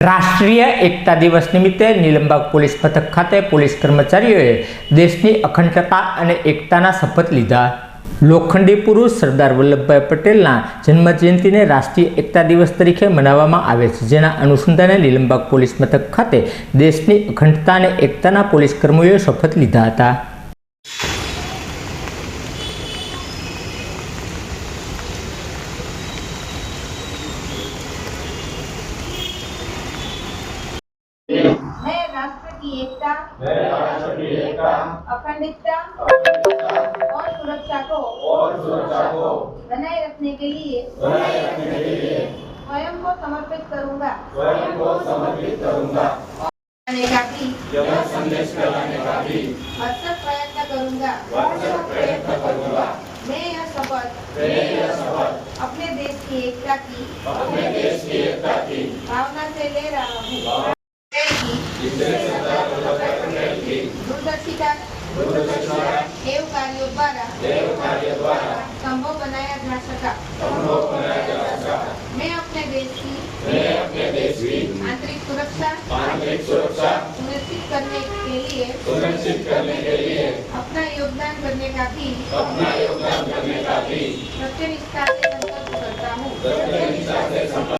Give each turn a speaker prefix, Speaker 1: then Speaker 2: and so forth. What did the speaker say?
Speaker 1: राष्ट्रीय एकता दिवस निमित्ते નીલમબાગ પોલીસ મથક ખાતે પોલીસ કર્મચારીઓએ દેશની અખંડતા અને એકતાના શપથ લીધા। લોખંડી પુરુષ સરદાર વલ્લભભાઈ પટેલના જન્મજયંતિને રાષ્ટ્રીય એકતા દિવસ તરીકે મનાવવામાં આવે છે, જેના અનુસંધાને નીલમબાગ પોલીસ મથક ખાતે દેશની અખંડતા અને એકતાના પોલીસ કર્મીઓએ શપથ લીધા હતા।
Speaker 2: मैं राष्ट्र की एकता, अखंडता और सुरक्षा को बनाए रखने के लिए स्वयं को समर्पित करूंगा। करने का भी अथक प्रयत्न करूंगा। मैं यह शपथ अपने देश की एकता की भावना से ले रहा हूँ। दूरदर्शिता एवं कार्यों द्वारा संभव बनाया जा सका। मैं अपने देश की आंतरिक सुरक्षा सुनिश्चित करने के लिए अपना योगदान करने का भी सत्यनिष्ठा से संकल्प करता हूँ।